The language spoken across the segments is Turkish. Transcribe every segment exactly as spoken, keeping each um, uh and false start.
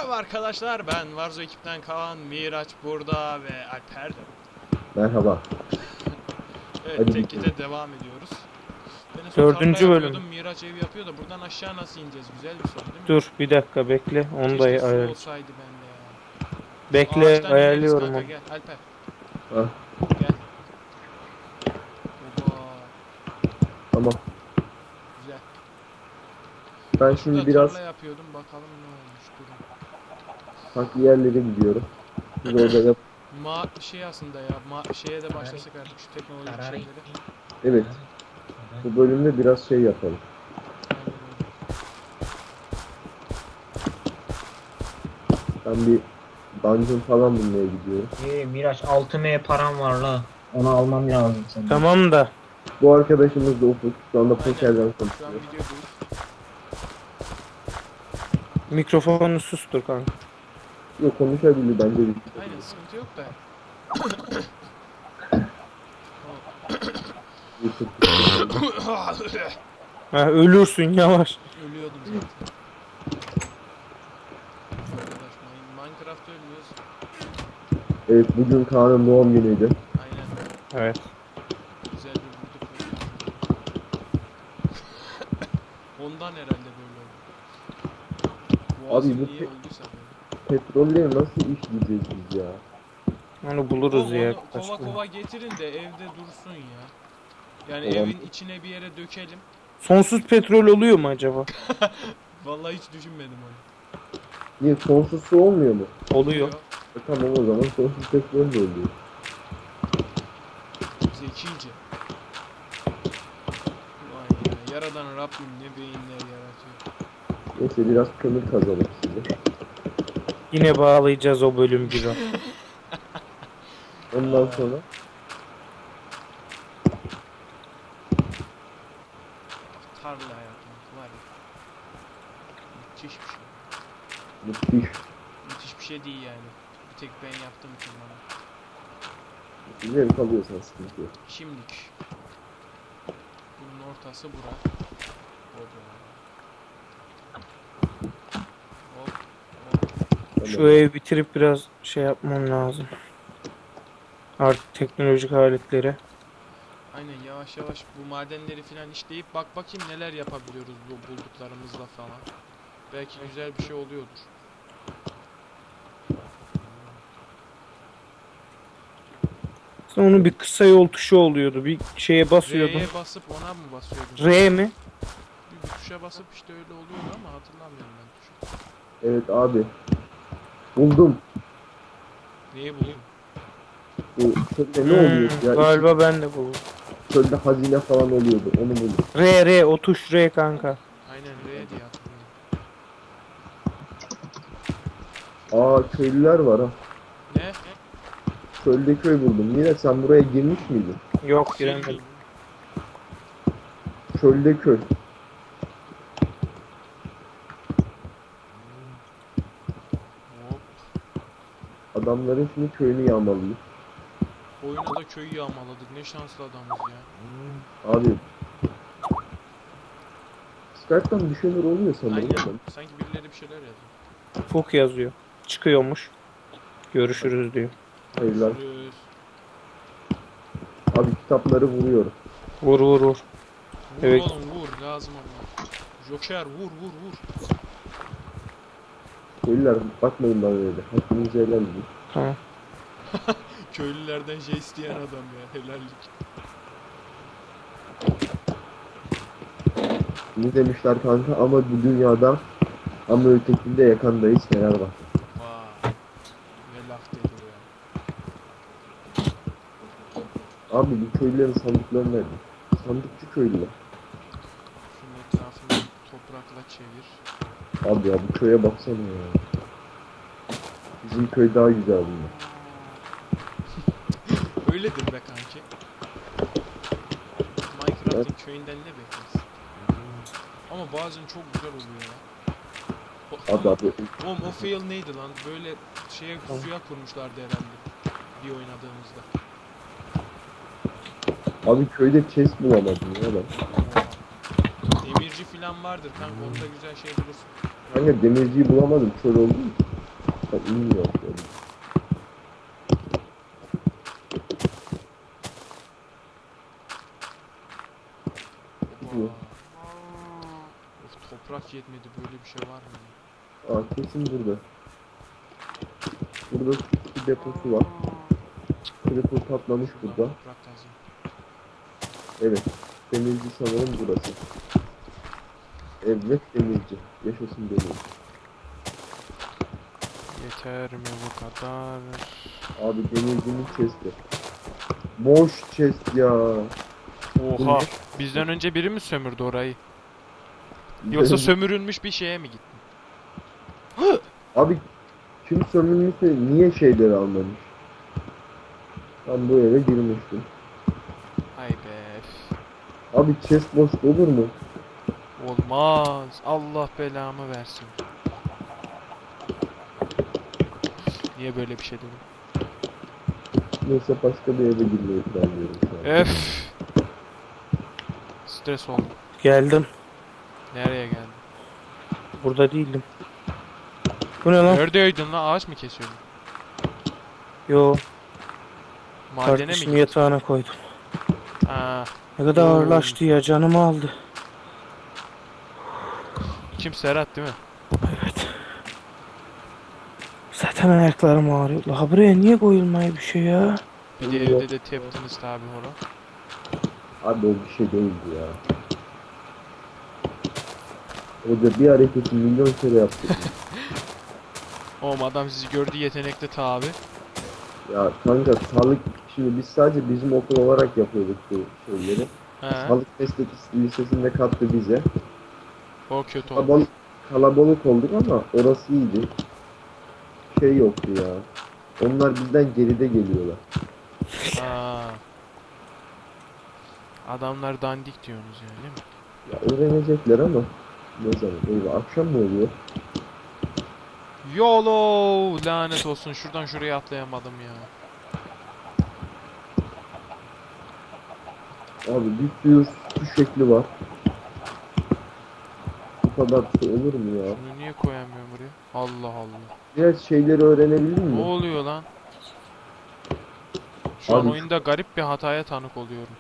Merhaba arkadaşlar, ben Warzo ekipten Kaan, Miraç burada ve Alper de. Merhaba. Evet, Hadi tekkide devam ediyoruz. Ben en son tarla Dördüncü bölüm. yapıyordum, Miraç ev yapıyor da buradan aşağı nasıl ineceğiz? Güzel bir soru değil mi? Dur bir dakika bekle. Onu da Keşke su ayarlayacağım. olsaydı bende ya. Şu Bekle ağaçtan ineriz ayarlıyorum kanka, onu. gel Alper. Ha, Gel. Oba, tamam. güzel. Ben Şurada şimdi biraz tarla yapıyordum, bakalım ne olmuş durum. farklı yerlere gidiyorum. Siz orada yap. Ma şey aslında ya, ma şeye de başlasak artık şu teknolojik şeyleri. Evet. Bu bölümde biraz şey yapalım. Aynen öyle. Ben bir dungeon falan bulmaya gidiyorum. Ee, Miraç altı M param var la. Onu almam lazım senin. Tamam da Bu arkadaşımız da Ufuk. Şu anda Aynen. pokerden Şu an konuşuyor. videodayız. mikrofonu sustur kanka. Yok, konuşabilir bence bir. Aynen, sıkıntı yok da. Ha, ölürsün yavaş. Ölüyordum zaten. Arkadaş, Minecraft ölmüyoruz. Evet, bugün Kaan'ın doğum günüydü. Aynen. Evet. Güzel bir vurduk. Ondan herhalde böyle oldu. Boğazım Abi bu niye pe- öldüyse böyle. Petrolleri nasıl işleyeceğiz biz ya? Onu buluruz Oğlum, ya. onu kova başka. kova getirin de evde dursun ya. Yani Tamam. evin içine bir yere dökelim. Sonsuz petrol oluyor mu acaba? Vallahi hiç düşünmedim onu. Niye, sonsuz su olmuyor mu? Oluyor. E tamam, o zaman sonsuz petrol de oluyor. Zekice. Vay ya, yaradan Rabbim ne beyinler yaratıyor. Neyse, biraz kömür kazalım size. Yine bağlayacağız o bölüm gibi. Ondan sonra Tarla hayatım var ya. Müthiş bir şey. müthiş. Müthiş bir şey değil yani. Bir tek ben yaptığım için bana. Zevk alıyorsan sıkıntı yok. Şimdilik. Bunun ortası bura. Hop. Hop. Hop. Tamam. Şu evi bitirip biraz şey yapmam lazım. Artık teknolojik aletleri. Aynen, yavaş yavaş bu madenleri filan işleyip bak bakayım neler yapabiliyoruz bu bulduklarımızla falan. Belki güzel bir şey oluyordur. Sonra onun bir kısa yol tuşu oluyordu. Bir şeye basıyordum. R'ye basıp ona mı basıyordun? R mi? Bir, bir tuşa basıp işte öyle oluyordu ama hatırlamıyorum ben tuşu. Evet abi. Buldum. Neyi buldun? Bu çölde ne Hmm, oluyor ya? galiba ben de buldum. Çölde hazine falan oluyordu. Onu buldum. R R o tuş R kanka. Aynen R diye hatırlıyorum. Aa, köylüler var ha. Ne? Çölde köy buldum. Mira, sen buraya girmiş miydin? Yok giremedim. Çölde köy. Hop. Adamların şimdi köyünü yağmalıyım. Oyuna da köyü yağmaladık. Ne şanslı adamız ya. Abi. Skype'dan bir şeyler oluyor sanırım ama. Aynen. Sanki birileri bir şeyler yazıyor. Fuk yazıyor. Çıkıyormuş. Görüşürüz diyor. Hayırlar. Görüşürüz. Abi, kitapları vuruyorum. Vur vur vur. Vur Evet. oğlum vur. Lazım ama. Joker vur vur vur. Köylüler, bakmayın bana öyle. Hakkınızı helal edin. Tamam. Köylülerden şey isteyen adam ya. Helallik. Ne demişler kanka, ama bu dünyada ama ötekinde yakandayız Fenerbahçe. Vay. Ne laf dedi bu ya. Abi, bu köylülerin sandıklarını nerede? Sandıkçı köylüler. Şunun etrafını toprakla çevir. Abi ya, bu köye baksana ya. Bizim köy daha güzel bunlar. Öyledir be kanki. Minecraft'ın köyünden ne beklersin? Ama bazen çok güzel oluyor ya. O, Abi abi. oğlum o fail neydi lan? Böyle şeye suya kurmuşlardı herhalde. Bir oynadığımızda. Abi, köyde chest bulamadım ya ben. Oha. Demirci filan vardır kanka, onda güzel şey bulursun. Kanka, demirciyi bulamadım, çöl oldu mu? Bak inmiyor şöyle. Oba. Of, toprak yetmedi, böyle bir şey var mı? Aa kesin burada. Burada bir deposu var. Creeper patlamış Şuradan burada. toprak kazayım. Evet. Demirci sanırım burası. Evet demirci. Yaşasın demirci. Yeter mi bu kadar? Abi demircinin chest'i. Boş chest ya. Oha. Bizden önce biri mi sömürdü orayı? Yoksa sömürülmüş bir şeye mi gittin? Abi kim sömürmüşse niye şeyleri almamış? Ben bu eve girmiştim. Hay be. Abi chest boş olur mu? Olmaz. Allah belamı versin. Niye böyle bir şey dedim? Neyse başka bir eve girmeyi planlıyorum şu an. Öf. Stres oldum. Geldim. Nereye geldin? Burada değildim. Bu ne lan? Neredeydin lan? Ağaç mı kesiyordun? Yo. Madene mi Kardeşim gittin? yatağına koydum. Aa, Ne kadar Oo. ağırlaştı ya, canımı aldı. kim, Serhat değil mi? Evet. Zaten ayaklarım ağrıyor. La buraya niye koyulmuyor bir şey ya? Bir de evde de teptiniz tabi onu. Abi o bir şey değildi ya. Hoca bir hareketi milyon kere yaptı. Oğlum adam sizi gördü, yetenekli tabi. Ya kanka sağlık, şimdi biz sadece bizim okul olarak yapıyorduk bu şeyleri. He. Sağlık meslek lisesinde kattı bize. O kötü oldu. Kalabalık, kalabalık olduk ama orası iyiydi. Şey yoktu ya. Onlar bizden geride geliyorlar. Aa. Adamlar dandik diyorsunuz yani, değil mi? Ya öğrenecekler ama ne zaman? Eyvah akşam mı oluyor? YOLO! Lanet olsun, şuradan şuraya atlayamadım ya. Abi bir sürü su şekli var. Bu kadar su olur mu ya? Şunu niye koyamıyorum buraya? Allah Allah. Biraz şeyleri öğrenebildin Ne mi? oluyor lan? Şu an Abi- oyunda garip bir hataya tanık oluyorum.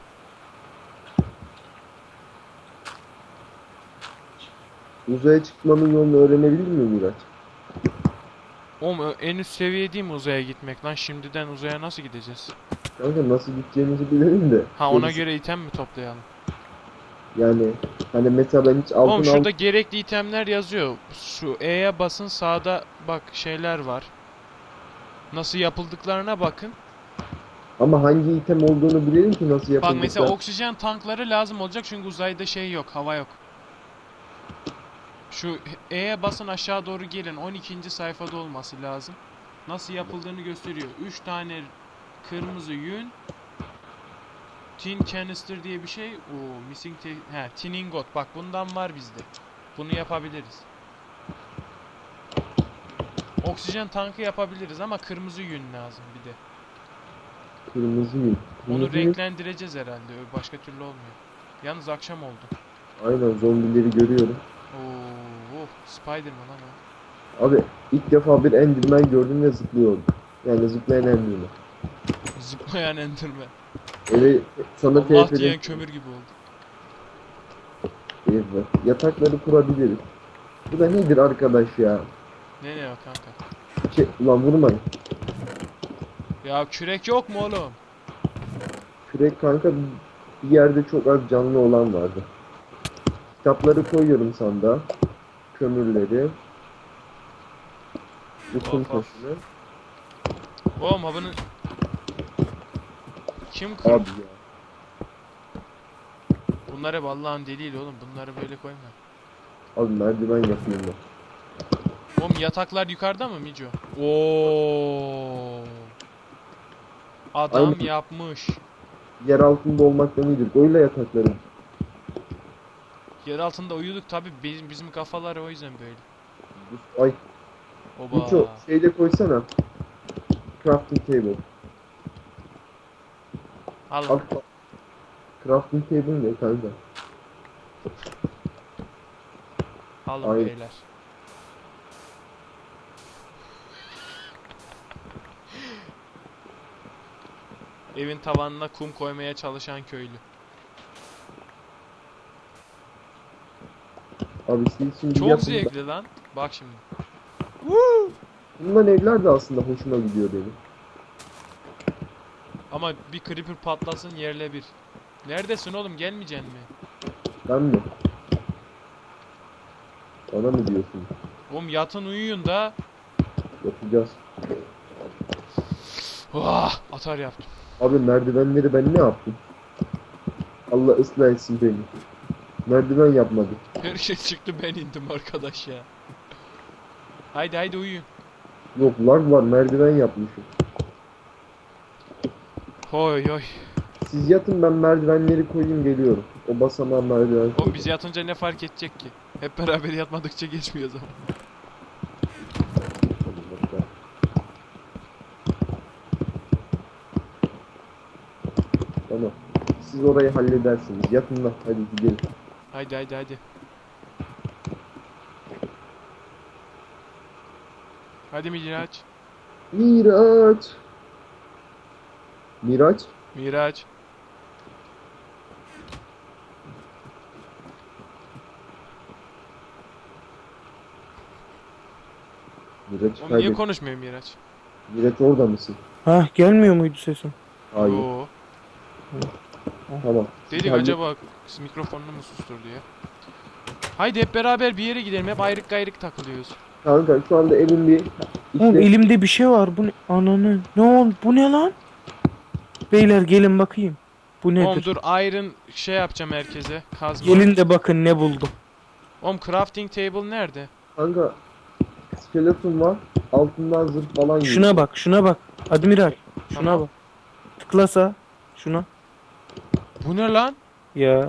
Uzaya çıkmanın yolunu öğrenebildin mi Miraç? Oğlum ö- en üst seviye değil mi uzaya gitmek lan? Şimdiden uzaya nasıl gideceğiz? Kanka nasıl gideceğimizi bilelim de. Ha, ona gerisi- göre item mi toplayalım? Yani hani mesela ben hiç altın Oğlum al... şurada gerekli itemler yazıyor. Şu E'ye basın, sağda bak şeyler var. Nasıl yapıldıklarına bakın. Ama hangi item olduğunu bilelim ki nasıl Bak yapıldıklar. mesela oksijen tankları lazım olacak çünkü uzayda şey yok, hava yok. Şu E'ye basın, aşağı doğru gelin. on ikinci sayfada olması lazım. Nasıl yapıldığını gösteriyor. üç tane kırmızı yün. Tin canister diye bir şey. Oo, missing te he, tin ingot. Bak bundan var bizde. Bunu yapabiliriz. Oksijen tankı yapabiliriz ama kırmızı yün lazım bir de. Kırmızı yün. Onu Kırmızı yün- renklendireceğiz herhalde. Başka türlü olmuyor. Yalnız akşam oldu. Aynen zombileri görüyorum. Oo, oh, Spiderman ama. Abi ilk defa bir Enderman gördüm ve zıplıyordum. Yani zıplayan Enderman. Zıplayan Enderman. Eve sana Allah T P'den... diyen kömür gibi oldu. Evet. Yatakları kurabiliriz. Bu da nedir arkadaş ya? Ne ne o kanka? Şey, ulan vurmayın. Ya kürek yok mu oğlum? Kürek kanka bir yerde çok az canlı olan vardı. Kitapları koyuyorum sandığa. Kömürleri. Utun Of, of. taşını. Oğlum ha bunu... Kim kır? Abi ya. Bunlar hep Allah'ın deliğiyle oğlum. Bunları böyle koyma. Abi merdiven yapayım ben. Oğlum yataklar yukarıda mı Mico? Oo. Adam Aynen. yapmış. Yer altında olmaktan iyidir. Öyle yatakları. Yer altında uyuduk tabi, bizim, bizim kafalar o yüzden böyle. Ay. Oba. Miço şeyde koysana. Crafting table. Al. Al. Crafting table ne kanka? Alın Ay. beyler. Evin tavanına kum koymaya çalışan köylü. Abi siz şimdi Çok yapın da- zevkli lan. Bak şimdi. Bundan evler de aslında hoşuma gidiyor benim. Ama bir creeper patlasın yerle bir. Neredesin oğlum, gelmeyeceksin mi? Ben mi? Bana mı diyorsun? Oğlum yatın uyuyun da. Yapacağız. Vah, atar yaptım. Abi merdivenleri ben ne yaptım? Allah ıslah etsin beni. Merdiven yapmadım. Her şey çıktı, ben indim arkadaş ya. Haydi haydi uyuyun. Yok lag var, merdiven yapmışım. Hoy hoy. Siz yatın, ben merdivenleri koyayım geliyorum. O basamağa merdiven Oğlum koyayım. biz yatınca ne fark edecek ki? Hep beraber yatmadıkça geçmiyor zaman. Tamam. Siz orayı halledersiniz. Yatın lan, hadi gidelim. Haydi haydi haydi. Hadi Miraç. Miraç. Miraç. Miraç. Miraç Oğlum niye kaybet. konuşmuyor Miraç? Miraç orada mısın? Ha gelmiyor muydu sesim? Hayır. Yo. Tamam. Dedik Hallet- acaba mikrofonunu mu susturdu ya? Haydi hep beraber bir yere gidelim. Hep ayrık gayrık takılıyoruz. Kanka şu anda evin bir Oğlum işte elimde bir şey var. Bu ne? Ananı. Ne oldu? Bu ne lan? Beyler gelin bakayım. Bu Oğlum nedir? dur, iron şey yapacağım herkese. Kazma. Gelin de bakın ne buldum. Oğlum crafting table nerede? kanka skeleton var. Altından zırh falan yiyor. Şuna bak, şuna bak. Admiral. Şuna Tamam. bak. Tıklasa. Şuna. Bu ne lan? Ya.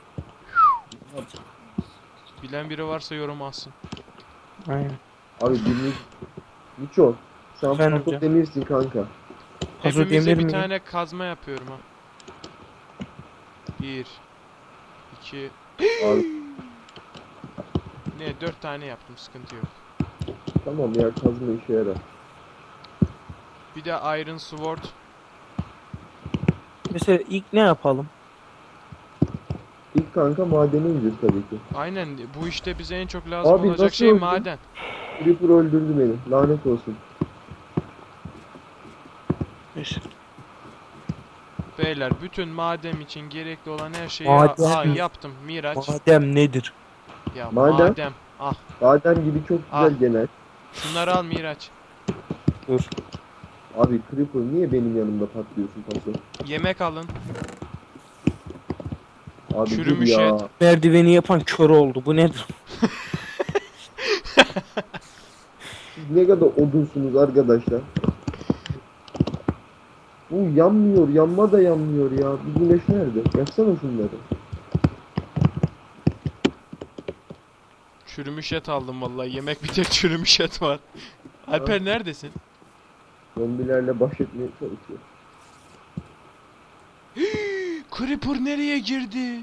Bilen biri varsa yorum alsın. Aynen. Abi birini Miço, sen Efendim pato hocam. demirsin kanka. Paso Hepimize demir bir mi? tane kazma yapıyorum ha. Bir. iki. Abi Ne, dört tane yaptım, sıkıntı yok. tamam ya, kazma işe yarar. Bir de iron sword. Mesela ilk ne yapalım? İlk kanka madene ineceğiz tabii ki. Aynen, bu işte bize en çok lazım Abi olacak nasıl şey öldün? maden. Creeper öldürdü beni. Lanet olsun. İşte. Beyler, bütün madem için gerekli olan her şeyi Maden Aa, mi? yaptım Miraç. Madem nedir? Ya Maden? madem. Ah, Badem gibi çok güzel Ah. genel. şunları al Miraç. Dur. Abi Creeper niye benim yanımda patlıyorsun paso? Yemek alın. Abi dur Çürümüş ya. et. Merdiveni yapan kör oldu. Bu nedir? Siz ne kadar odunsunuz arkadaşlar. Bu yanmıyor, yanma da yanmıyor ya. Bu güneş nerede? Yaksana şunları. Çürümüş et aldım vallahi. Yemek bir tek çürümüş et var. Alper neredesin? Zombilerle baş etmeye çalışıyor. Creeper nereye girdi?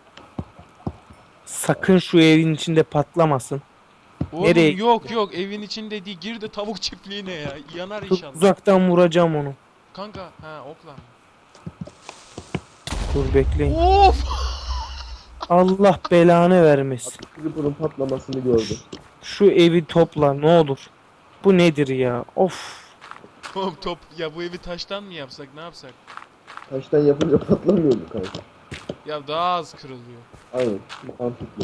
Sakın şu evin içinde patlamasın. Oğlum Nereye yok yok, evin içinde değil, girdi tavuk çiftliğine ya. Yanar Çok inşallah. uzaktan vuracağım onu. Kanka ha, okla. Dur bekleyin. Of! Allah belanı vermesin. Creeper'ın patlamasını gördüm. Şu evi topla ne olur. Bu nedir ya? Of. Oğlum top ya, bu evi taştan mı yapsak, ne yapsak? Taştan yapınca patlamıyor mu kanka? Ya daha az kırılıyor. Aynen, mantıklı.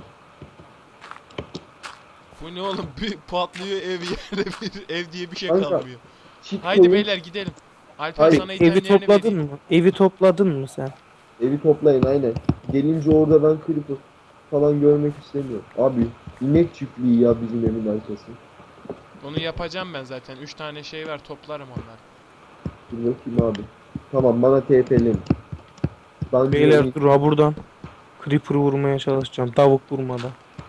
Bu ne oğlum, bir patlıyor ev, yerde bir ev diye bir şey Kanka, kalmıyor. Çit Haydi koyun, beyler gidelim. Alper Hayır, sana Evi itemlerini topladın vereyim. mı? Evi topladın mı sen? evi toplayın aynen. Gelince orada ben Creeper falan görmek istemiyorum. Abi inek çiftliği ya bizim evin arkası. Onu yapacağım ben zaten. Üç tane şey var, toplarım onları. Dur bakayım abi. Tamam, bana T P'leyin. Ben Beyler dur ha buradan. Creeper vurmaya çalışacağım. Tavuk vurmadan.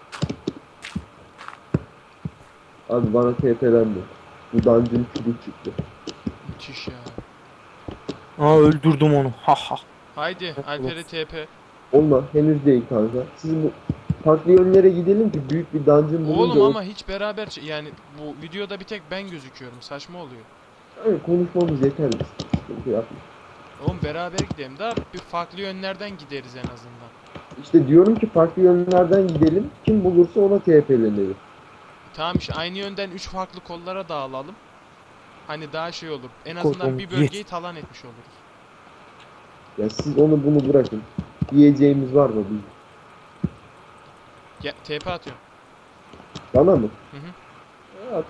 Abi bana T P'lendi. Bu dungeon çürük çıktı. Müthiş ya. Aa öldürdüm onu. Ha ha. Haydi Alper'e T P. Olma, henüz değil kanka. Siz bu farklı yönlere gidelim ki büyük bir dungeon bulunca... Oğlum o- ama hiç beraber ç- yani bu videoda bir tek ben gözüküyorum. Saçma oluyor. Aynen, konuşmamız yeter. Sıkıntı yapma. Oğlum beraber gidelim daha bir farklı yönlerden gideriz en azından. İşte diyorum ki farklı yönlerden gidelim. Kim bulursa ona T P'lenelim. Tamam işte aynı yönden üç farklı kollara dağılalım. Hani daha şey olur. En azından Kolum, bir bölgeyi talan etmiş oluruz. Ya siz onu bunu bırakın. Diyeceğimiz var mı bizim? Ya, T P atıyorum. Bana mı? Hı hı. Evet.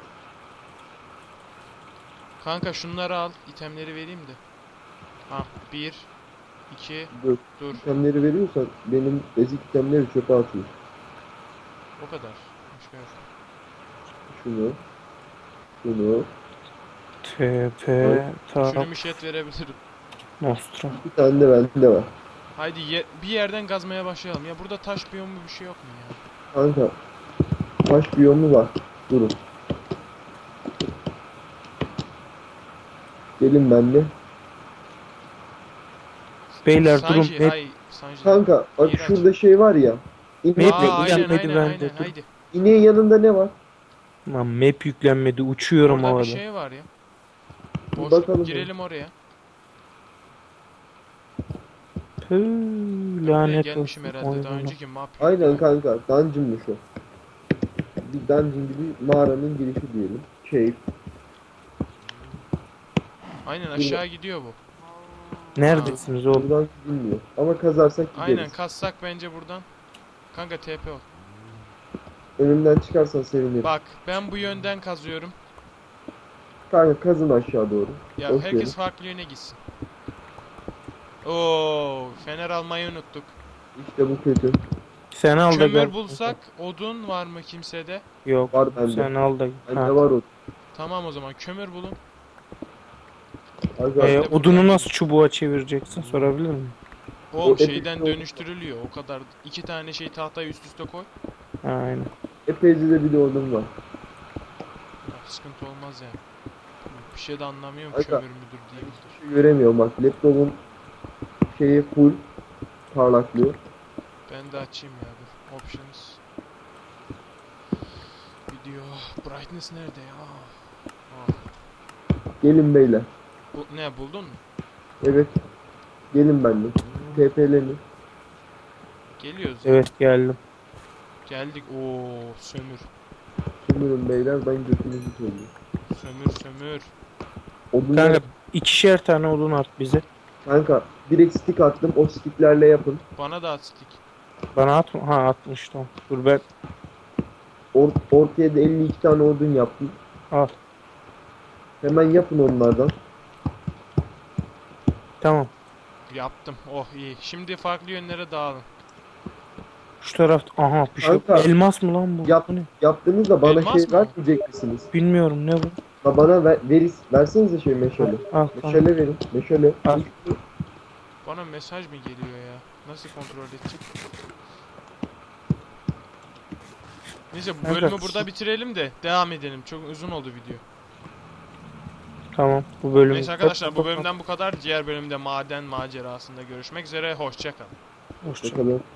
Kanka şunları al. İtemleri vereyim de. Ha bir, iki, Dur. dur. İtemleri veriyorsan benim ezik itemleri çöpe atıyor. O kadar. Başka yok. Şunu. Şunu. T P Şunu Tap müşet verebilirim. Nostra. Bir tane de bende var. Haydi ye- bir yerden gazmaya başlayalım. Ya burada taş biyomu bir şey yok mu ya? Kanka. Taş biyomu var. Durun. Gelin benimle. Beyler durun. Sanji, Map, hay, Sanji. Kanka bak İğrenç. şurada şey var ya. İne- Map Aa, aynen yüklenmedi aynen bende, aynen dur. haydi. İneğin yanında ne var? lan map yüklenmedi. Uçuyorum Orada havada. bir şey var ya. Bir Boş, bakalım. girelim oraya. Püh, Buraya lanet gelmişim olsun. herhalde daha oyunuma. önceki map. Aynen kanka. Dungeon'muş o. Bir dungeon gibi mağaranın girişi diyelim. Cave. Aynen aşağı gidiyor bu. Neredesiniz oğlum? Buradan gidilmiyor. Ama kazarsak gideriz. Aynen kassak bence buradan. Kanka T P ol. Önümden çıkarsan sevinirim. Bak ben bu yönden kazıyorum. Kanka kazın aşağı doğru. Ya Boş herkes verin. farklı yöne gitsin. Oo, fener almayı unuttuk. İşte bu kötü. Sen al da Kömür gel. bulsak odun var mı kimsede? Yok. Var bende. Sen al da. Bende Ha. var o. Tamam o zaman kömür bulun. Aga, Ee, Ben de odunu buradan- nasıl çubuğa çevireceksin sorabilir miyim? Oğlum epic şeyden oldu. dönüştürülüyor o kadar. İki tane şey tahtayı üst üste koy. Aynen. epeyce de bir de odun var. Ya, sıkıntı olmaz yani. Bir şey de anlamıyorum Aga. kömür müdür değil midir. Hiçbir şey göremiyorum bak. Laptopun şeyi full parlaklıyor. Ben de açayım ya dur. Options. Video. Brightness nerede ya? Ah. Gelin beyler. Bu, ne buldun mu? Evet. Gelin benimle. T P'lenin. Geliyoruz. ya. Evet geldim. Geldik. Oo sömür. Sömürün beyler, ben götünüzü söylüyorum. Sömür sömür. Odunlar... Kanka ikişer tane odun at bize. Kanka direkt stick attım. O sticklerle yapın. Bana da at stick. Bana at mı? Ha atmış tamam. Dur ben Or ortaya da elli iki tane odun yaptım. al. Hemen yapın onlardan. Tamam. Yaptım. Oh iyi. Şimdi farklı yönlere dağılın. Şu tarafta aha bir şey. Kanka. Elmas mı lan bu? Yap. Bu ne? Yaptığınızda bana Elmas şey mı? vermeyecek misiniz? Bilmiyorum ne bu? Ha, bana ver, veris, versenize şey meşale. Al kanka. Meşale verin. Meşale. Al. Bana mesaj mı geliyor ya? Nasıl kontrol edeceğim? Neyse bu Kanka, bölümü şu- burada bitirelim de devam edelim. Çok uzun oldu video. Tamam bu bölüm. Neyse arkadaşlar bu bölümden bu kadar. Diğer bölümde maden macerasında görüşmek üzere. Hoşça kalın. Hoşça Bakalım.